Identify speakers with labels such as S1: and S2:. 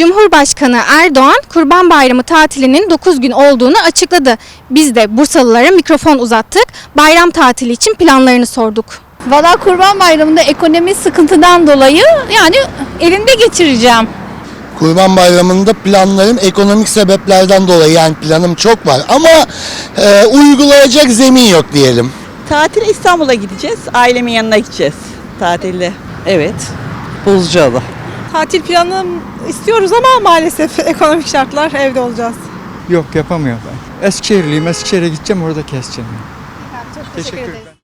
S1: Cumhurbaşkanı Erdoğan Kurban Bayramı tatilinin 9 gün olduğunu açıkladı. Biz de Bursalılara mikrofon uzattık. Bayram tatili için planlarını sorduk.
S2: Valla Kurban Bayramı'nda ekonomi sıkıntıdan dolayı yani evimde geçireceğim.
S3: Kurban Bayramı'nda planlarım ekonomik sebeplerden dolayı, yani planım çok var ama uygulayacak zemin yok diyelim.
S4: Tatile İstanbul'a gideceğiz. Ailemin yanına gideceğiz tatilde. Evet.
S5: Buzcaada.
S6: Tatil planı istiyoruz ama maalesef ekonomik şartlar, evde olacağız.
S5: Yok, yapamıyor ben. Eskişehirliyim. Eskişehir'e gideceğim, orada keseceğim.
S1: Çok teşekkür ederiz.